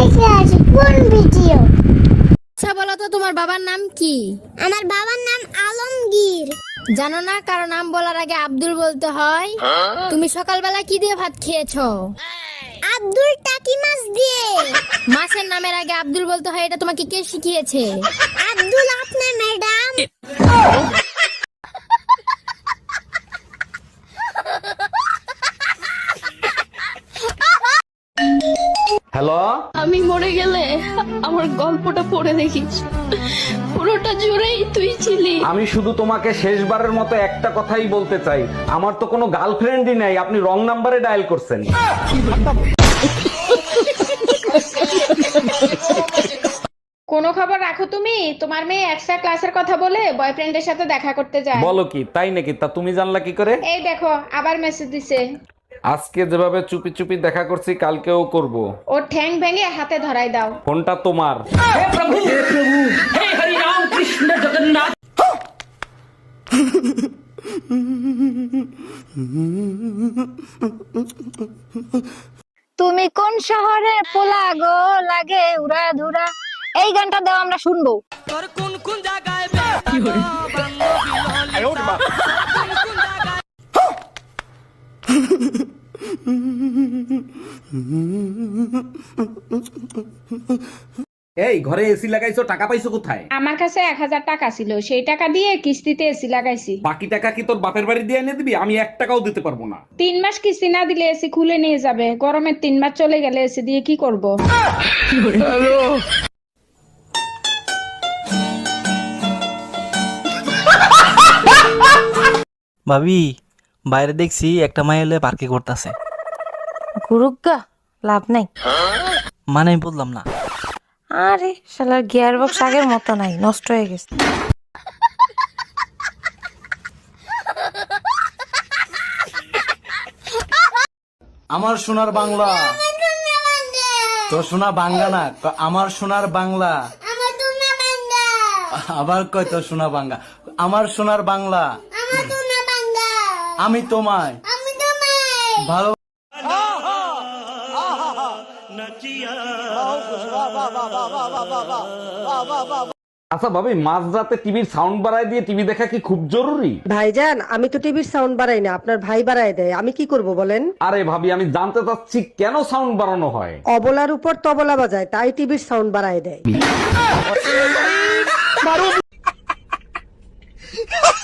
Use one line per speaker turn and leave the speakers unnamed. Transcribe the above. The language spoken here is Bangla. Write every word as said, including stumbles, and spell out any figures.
দেখে আসি কোন ভিডিও।
আচ্ছা বলো তো তোমার বাবার নাম কি?
আমার বাবার নাম আলমগীর।
জানো না কারো নাম বলার আগে আব্দুল বলতে হয়? তুমি সকালবেলা কি দিয়ে ভাত খেয়েছো?
আব্দুল টাকি মাছ দিয়ে।
মাছের নামের আগে আব্দুল বলতে হয়, এটা তোমাকে কে শিখিয়েছে?
আব্দুল আপনার ম্যাডাম।
হ্যালো,
আমি মরে গেলে আমার গল্পটা পড়ে দেখিস, পুরোটা জুড়েই তুই ছিলি।
আমি শুধু তোমাকে শেষবারের মতো একটা কথাই বলতে চাই, আমার তো কোনো গার্লফ্রেন্ডই নাই, আপনি রং নাম্বারে ডায়াল করছেন।
কোনো খবর রাখো তুমি? তোমার মেয়ে এক্সট্রা ক্লাসের কথা বলে বয়ফ্রেন্ডের সাথে দেখা করতে যায়।
বলো কি, তাই নাকি? তা তুমি জানলা কি করে?
এই দেখো আবার মেসেজ দিছে।
আজকে যেভাবে চুপি চুপি দেখা করছি, কালকেও করব।
ওর ঠ্যাং ভেঙে হাতে ধরাই দাও।
ফোনটা তোমার।
তুমি কোন শহরে পোলা গো লাগে উড়া ধুরা, এই গানটা দাও আমরা শুনবো।
এই ঘরে এসি লাগাইছো, টাকা পাইছো কোথায়?
আমার কাছে এক হাজার টাকা ছিল, সেই টাকা দিয়ে কিস্তিতে এসি লাগাইছি।
বাকি টাকা কি তোর বাপের বাড়ি দিয়ে এনে দিবি? আমি এক টাকাও দিতে পারবো না।
তিন মাস কিস্তি না দিলে এসি খুলে নিয়ে যাবে। গরমের তিন মাস চলে গেলে এসি দিয়ে কি করব?
ভাবি, বাইরে দেখছি একটা মাই এলে পার্কে করতেছে।
গুরুগা লাভ নাই।
মানে আমি বললাম না।
আরে শালার গিয়ার বক্স আগের মতো নাই, নষ্ট হয়ে গেছে।
আমার সোনার বাংলা, তো সোনা বাংলা না, ক- আমার সোনার বাংলা।
আমার তোমরা বান্দা।
আবার কয় তো সোনা বাংলা, আমার সোনার বাংলা।
আমার তোমরা বান্দা।
আমি তোমায়
আমি তোমায়।
ভালো।
আচ্ছা ভাবি, মাঝ রাতে টিভির সাউন্ড বাড়ায় দিয়ে টিভি দেখা কি খুব জরুরি?
ভাইজান, আমি তো টিভির সাউন্ড বাড়াই না, আপনার ভাই বাড়ায় দেয়। আমি কি করব বলেন?
আরে ভাবি, আমি জানতে চাচ্ছি কেন সাউন্ড বাড়ানো হয়।
অবলার উপর তবলা বাজায়, তাই টিভির সাউন্ড বাড়ায় দেয়।